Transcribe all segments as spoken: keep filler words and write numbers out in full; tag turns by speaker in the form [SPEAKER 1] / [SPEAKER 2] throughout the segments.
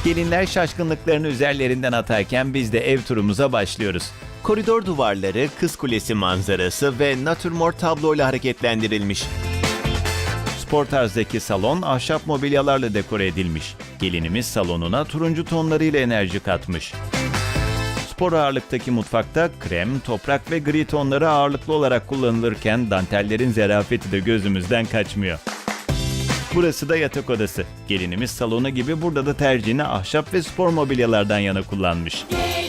[SPEAKER 1] Gelinler şaşkınlıklarını üzerlerinden atarken biz de ev turumuza başlıyoruz.
[SPEAKER 2] Koridor duvarları, Kız Kulesi manzarası ve natürmort tabloyla hareketlendirilmiş.
[SPEAKER 1] Spor tarzdaki salon ahşap mobilyalarla dekore edilmiş. Gelinimiz salonuna turuncu tonlarıyla enerji katmış. Spor ağırlıktaki mutfakta krem, toprak ve gri tonları ağırlıklı olarak kullanılırken dantellerin zerafeti de gözümüzden kaçmıyor. Burası da yatak odası. Gelinimiz salonu gibi burada da tercihini ahşap ve spor mobilyalardan yana kullanmış.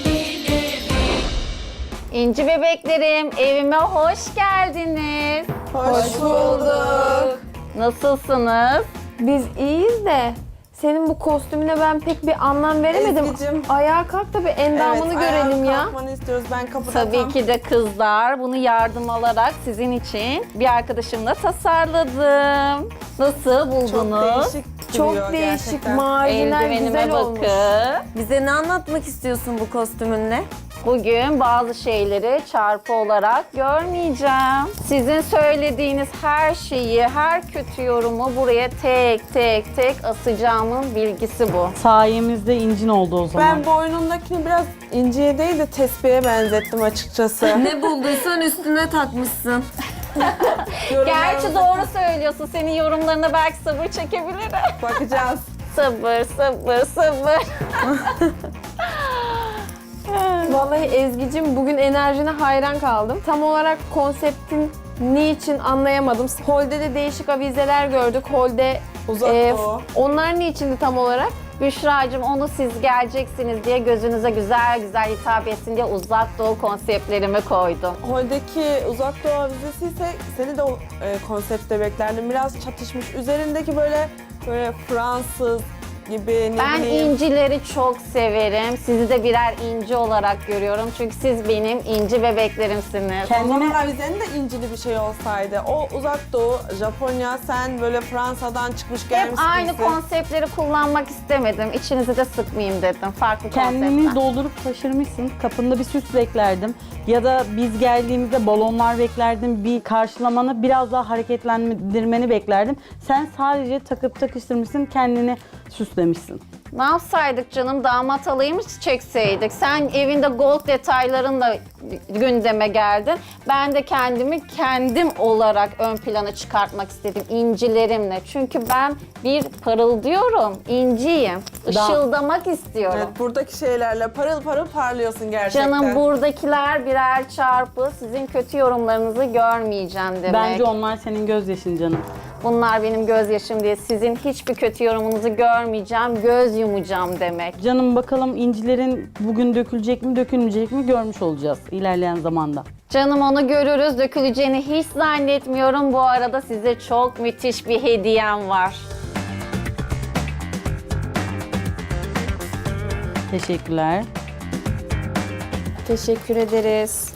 [SPEAKER 3] İnci bebeklerim, evime hoş geldiniz.
[SPEAKER 4] Hoş bulduk.
[SPEAKER 3] Nasılsınız?
[SPEAKER 4] Biz iyiyiz de senin bu kostümüne ben pek bir anlam veremedim.
[SPEAKER 5] Ezgi'cim.
[SPEAKER 4] Ayağa kalk da bir endamını görelim ya.
[SPEAKER 5] Kalkmanı istiyoruz. Ben kapıda
[SPEAKER 3] Tabii
[SPEAKER 5] tam-
[SPEAKER 3] ki de kızlar. Bunu yardım alarak sizin için bir arkadaşımla tasarladım. Nasıl buldunuz?
[SPEAKER 5] Çok değişik duruyor
[SPEAKER 4] Çok değişik,
[SPEAKER 5] gerçekten.
[SPEAKER 4] marjinal,
[SPEAKER 3] Eldivenime
[SPEAKER 4] güzel olmuş.
[SPEAKER 3] bakın.
[SPEAKER 6] Bize ne anlatmak istiyorsun bu kostümünle?
[SPEAKER 3] Bugün bazı şeyleri çarpı olarak görmeyeceğim. Sizin söylediğiniz her şeyi, her kötü yorumu buraya tek tek tek asacağımın bilgisi bu.
[SPEAKER 7] Sayemizde incin oldu o zaman.
[SPEAKER 5] Ben boynundakini biraz inciye değil de tespihe benzettim açıkçası.
[SPEAKER 6] Ne bulduysan üstüne takmışsın.
[SPEAKER 3] Gerçi doğru söylüyorsun. Senin yorumlarına belki sabır çekebilirim.
[SPEAKER 5] Bakacağız.
[SPEAKER 3] Sabır, sabır, sabır.
[SPEAKER 4] Vallahi Ezgi'cim bugün enerjine hayran kaldım. Tam olarak konseptin niçin anlayamadım. Holde de değişik avizeler gördük. Holde
[SPEAKER 5] Uzak
[SPEAKER 4] e,
[SPEAKER 5] doğu.
[SPEAKER 4] onlar niçindi tam olarak?
[SPEAKER 3] Büşra'cığım onu siz geleceksiniz diye gözünüze güzel güzel hitap etsin diye uzak doğu konseptlerimi koydum.
[SPEAKER 5] Holdeki uzak doğu avizesi ise seni de o e, konsepte beklerdim. Biraz çatışmış. Üzerindeki böyle böyle Fransız gibi ne
[SPEAKER 3] Ben
[SPEAKER 5] bileyim.
[SPEAKER 3] incileri çok severim. Sizi de birer inci olarak görüyorum. Çünkü siz benim inci bebeklerimsiniz.
[SPEAKER 5] O zaman
[SPEAKER 7] Kendine
[SPEAKER 5] avizenin de incili bir şey olsaydı. O uzak doğu, Japonya, sen böyle Fransa'dan çıkmış
[SPEAKER 3] Hep
[SPEAKER 5] gelmiş
[SPEAKER 3] aynı
[SPEAKER 5] birisi.
[SPEAKER 3] konseptleri kullanmak istemedim. İçinizi de sıkmayayım dedim. Farklı
[SPEAKER 7] kendini
[SPEAKER 3] konseptler.
[SPEAKER 7] doldurup taşırmışsın. Kapında bir süs beklerdim. Ya da biz geldiğimizde balonlar beklerdim. Bir karşılamanı biraz daha hareketlendirmeni beklerdim. Sen sadece takıp takıştırmışsın, kendini süslemişsin.
[SPEAKER 3] Ne yapsaydık canım? Damat alayı mı çekseydik? Sen evinde gold detaylarınla gündeme geldin. Ben de kendimi kendim olarak ön plana çıkartmak istedim incilerimle. Çünkü ben bir parıldıyorum, inciyim. Işıldamak istiyorum.
[SPEAKER 5] Evet, buradaki şeylerle parıl parıl parlıyorsun gerçekten.
[SPEAKER 3] Canım buradakiler birer çarpı. Sizin kötü yorumlarınızı görmeyeceğim demek.
[SPEAKER 7] Bence onlar senin gözyaşın canım.
[SPEAKER 3] Bunlar benim gözyaşım diye sizin hiçbir kötü yorumunuzu görmeyeceğim, göz yumacağım demek.
[SPEAKER 7] Canım bakalım incilerin bugün dökülecek mi dökülmeyecek mi görmüş olacağız ilerleyen zamanda.
[SPEAKER 3] Canım onu görürüz, döküleceğini hiç zannetmiyorum. Bu arada size çok müthiş bir hediyem var.
[SPEAKER 7] Teşekkürler.
[SPEAKER 4] Teşekkür ederiz.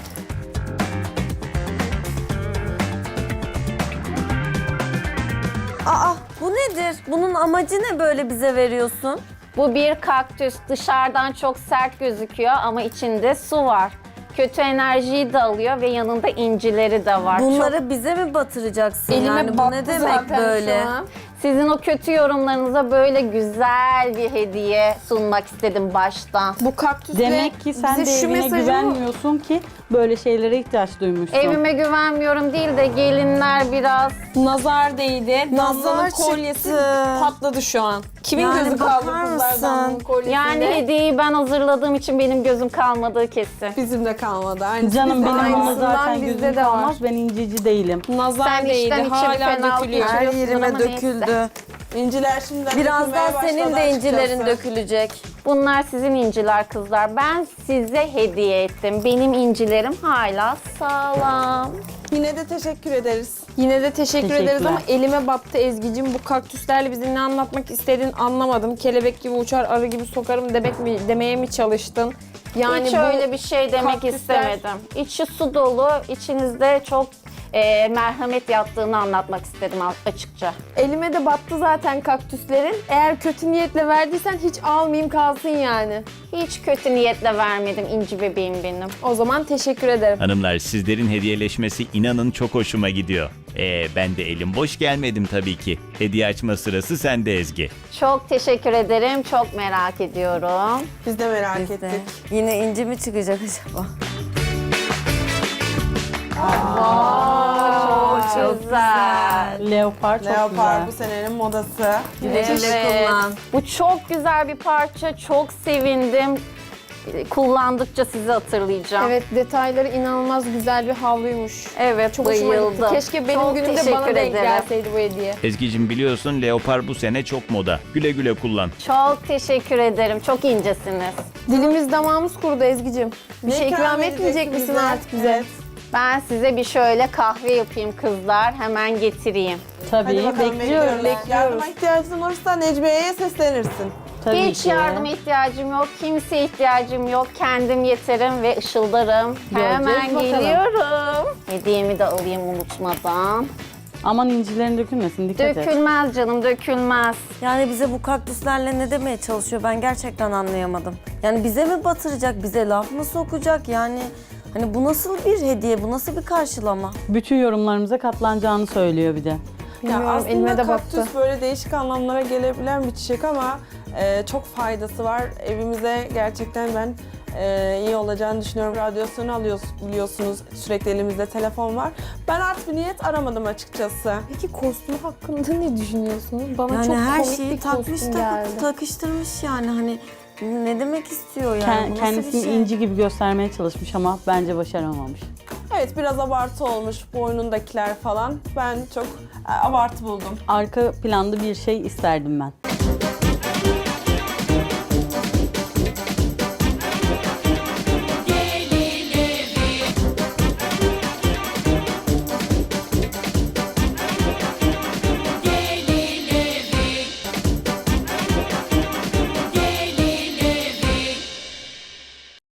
[SPEAKER 6] Aa bu nedir? Bunun amacı ne böyle bize veriyorsun?
[SPEAKER 3] Bu bir kaktüs. Dışarıdan çok sert gözüküyor ama içinde su var. Kötü enerjiyi de alıyor ve yanında incileri de var.
[SPEAKER 6] Bunları
[SPEAKER 3] Çok-
[SPEAKER 6] bize mi batıracaksın?
[SPEAKER 4] Elime
[SPEAKER 6] yani bu
[SPEAKER 4] battı
[SPEAKER 6] ne demek
[SPEAKER 4] zaten
[SPEAKER 6] böyle?
[SPEAKER 4] şu an.
[SPEAKER 3] Sizin o kötü yorumlarınıza böyle güzel bir hediye sunmak istedim baştan.
[SPEAKER 4] Bu kaktüsle
[SPEAKER 7] Demek ki sen
[SPEAKER 4] bize
[SPEAKER 7] de
[SPEAKER 4] şu
[SPEAKER 7] evine
[SPEAKER 4] mesajı mı-
[SPEAKER 7] güvenmiyorsun ki böyle şeylere ihtiyaç duymuşsun.
[SPEAKER 3] Evime güvenmiyorum değil de gelinler biraz
[SPEAKER 4] Nazar değdi.
[SPEAKER 5] Nazar
[SPEAKER 4] Damla'nın kolyesi
[SPEAKER 5] çıktı.
[SPEAKER 4] patladı şu an. Kimin
[SPEAKER 6] Yani
[SPEAKER 4] gözü kaldı
[SPEAKER 6] bakar
[SPEAKER 4] kızlar
[SPEAKER 6] mısın?
[SPEAKER 4] Damla'nın kolyesinde?
[SPEAKER 3] yani hediyeyi ben hazırladığım için benim gözüm kalmadığı kesin.
[SPEAKER 5] Bizim de kalmadı. Aynısı
[SPEAKER 7] Canım
[SPEAKER 5] bizde.
[SPEAKER 7] benim ona
[SPEAKER 4] Aynısından
[SPEAKER 7] zaten
[SPEAKER 4] bizde
[SPEAKER 7] gözüm
[SPEAKER 4] de var.
[SPEAKER 7] kalmaz. Ben inceci değilim.
[SPEAKER 4] Nazar
[SPEAKER 3] Sen
[SPEAKER 4] değdi.
[SPEAKER 3] içten içe bir
[SPEAKER 4] Hala
[SPEAKER 3] fenalık
[SPEAKER 4] dökülüyor.
[SPEAKER 3] geçiriyorsun.
[SPEAKER 6] Her yerime
[SPEAKER 3] ama neyse.
[SPEAKER 6] döküldü.
[SPEAKER 5] İnciler şimdiden
[SPEAKER 6] Birazdan
[SPEAKER 5] dökülmeye
[SPEAKER 6] senin
[SPEAKER 5] başladı
[SPEAKER 6] de incilerin
[SPEAKER 5] açıkçası.
[SPEAKER 6] dökülecek.
[SPEAKER 3] Bunlar sizin inciler kızlar. Ben size hediye ettim. Benim incilerim hala sağlam.
[SPEAKER 5] Yine de teşekkür ederiz.
[SPEAKER 4] Yine de teşekkür ederiz
[SPEAKER 7] Teşekkürler.
[SPEAKER 4] ama elime battı Ezgi'cim. Bu kaktüslerle bize ne anlatmak istediğini anlamadım. Kelebek gibi uçar, arı gibi sokarım demek mi, demeye mi çalıştın? Yani
[SPEAKER 3] Hiç
[SPEAKER 4] bu
[SPEAKER 3] öyle bir şey demek
[SPEAKER 4] kaktüsler-
[SPEAKER 3] istemedim. İçi su dolu, içinizde çok e, merhamet yattığını anlatmak istedim açıkça.
[SPEAKER 4] elime de battı zaten kaktüslerin. Eğer kötü niyetle verdiysen hiç almayayım kalsın yani.
[SPEAKER 3] Hiç kötü niyetle vermedim inci bebeğim benim.
[SPEAKER 4] O zaman teşekkür ederim.
[SPEAKER 1] Hanımlar sizlerin hediyeleşmesi inanın çok hoşuma gidiyor. Ee, ben de elim boş gelmedim tabii ki. Hediye açma sırası sende Ezgi.
[SPEAKER 3] Çok teşekkür ederim. Çok merak ediyorum.
[SPEAKER 5] Biz de merak
[SPEAKER 6] Biz de.
[SPEAKER 5] ettik.
[SPEAKER 6] Yine inci mi çıkacak acaba?
[SPEAKER 3] Çok güzel.
[SPEAKER 7] Leopar çok
[SPEAKER 5] Leopar bu
[SPEAKER 7] güzel.
[SPEAKER 5] senenin modası.
[SPEAKER 6] Güle güle kullan.
[SPEAKER 3] Bu çok güzel bir parça. Çok sevindim. Kullandıkça sizi hatırlayacağım.
[SPEAKER 4] Evet, detayları inanılmaz güzel bir havluymuş.
[SPEAKER 3] Evet,
[SPEAKER 4] Çok hoşuma gitti.
[SPEAKER 3] bayıldım.
[SPEAKER 4] Keşke benim
[SPEAKER 3] Çok
[SPEAKER 4] günümde bana
[SPEAKER 3] teşekkür
[SPEAKER 4] denk
[SPEAKER 3] ederim.
[SPEAKER 4] gelseydi bu hediye.
[SPEAKER 1] Ezgi'cim biliyorsun leopar bu sene çok moda. Güle güle kullan.
[SPEAKER 3] Çok teşekkür ederim. Çok incesiniz.
[SPEAKER 4] Dilimiz damağımız kurudu Ezgi'cim. Bir
[SPEAKER 5] Ne
[SPEAKER 4] şey ikram
[SPEAKER 5] edeceksin
[SPEAKER 4] etmeyecek misin
[SPEAKER 5] bize?
[SPEAKER 4] artık bize?
[SPEAKER 5] Evet.
[SPEAKER 3] Ben size bir şöyle kahve yapayım kızlar. Hemen getireyim.
[SPEAKER 7] Tabii
[SPEAKER 5] Hadi bakalım
[SPEAKER 7] bekliyoruz.
[SPEAKER 5] bekliyoruz. Yardıma ihtiyacın olursa Necmiye'ye seslenirsin.
[SPEAKER 7] Tabii
[SPEAKER 3] Hiç
[SPEAKER 7] ki.
[SPEAKER 3] yardıma ihtiyacım yok. Kimseye ihtiyacım yok. Kendim yeterim ve ışıldarım.
[SPEAKER 7] Göreceğiz
[SPEAKER 3] Hemen
[SPEAKER 7] bakalım.
[SPEAKER 3] geliyorum. Hediyemi de alayım unutmadan.
[SPEAKER 7] Aman incilerin dökülmesin, dikkat et.
[SPEAKER 3] Dökülmez canım, dökülmez.
[SPEAKER 6] Yani bize bu kaktüslerle ne demeye çalışıyor ben gerçekten anlayamadım. Yani bize mi batıracak, bize laf mı sokacak yani... Hani bu nasıl bir hediye, bu nasıl bir karşılama?
[SPEAKER 7] Bütün yorumlarımıza katlanacağını söylüyor bir de.
[SPEAKER 4] Bilmiyorum,
[SPEAKER 5] aslında
[SPEAKER 4] elime de
[SPEAKER 5] kaktüs
[SPEAKER 4] baktı.
[SPEAKER 5] böyle değişik anlamlara gelebilen bir çiçek ama e, çok faydası var. Evimize gerçekten ben e, iyi olacağını düşünüyorum. Radyasyonu alıyoruz biliyorsunuz. Sürekli elimizde telefon var. Ben art bir niyet aramadım açıkçası.
[SPEAKER 4] Peki kostüm hakkında ne düşünüyorsunuz? Bana
[SPEAKER 6] Yani
[SPEAKER 4] çok
[SPEAKER 6] her
[SPEAKER 4] komik
[SPEAKER 6] şeyi
[SPEAKER 4] bir
[SPEAKER 6] takmış
[SPEAKER 4] kostüm
[SPEAKER 6] takıp
[SPEAKER 4] geldi.
[SPEAKER 6] takıştırmış yani hani ne demek istiyor yani?
[SPEAKER 7] Ken-
[SPEAKER 6] Bu nasıl
[SPEAKER 7] kendisini
[SPEAKER 6] bir şey?
[SPEAKER 7] inci gibi göstermeye çalışmış ama bence başaramamış.
[SPEAKER 5] Evet biraz abartı olmuş boynundakiler falan. Ben çok e, abartı buldum.
[SPEAKER 7] Arka planda bir şey isterdim ben.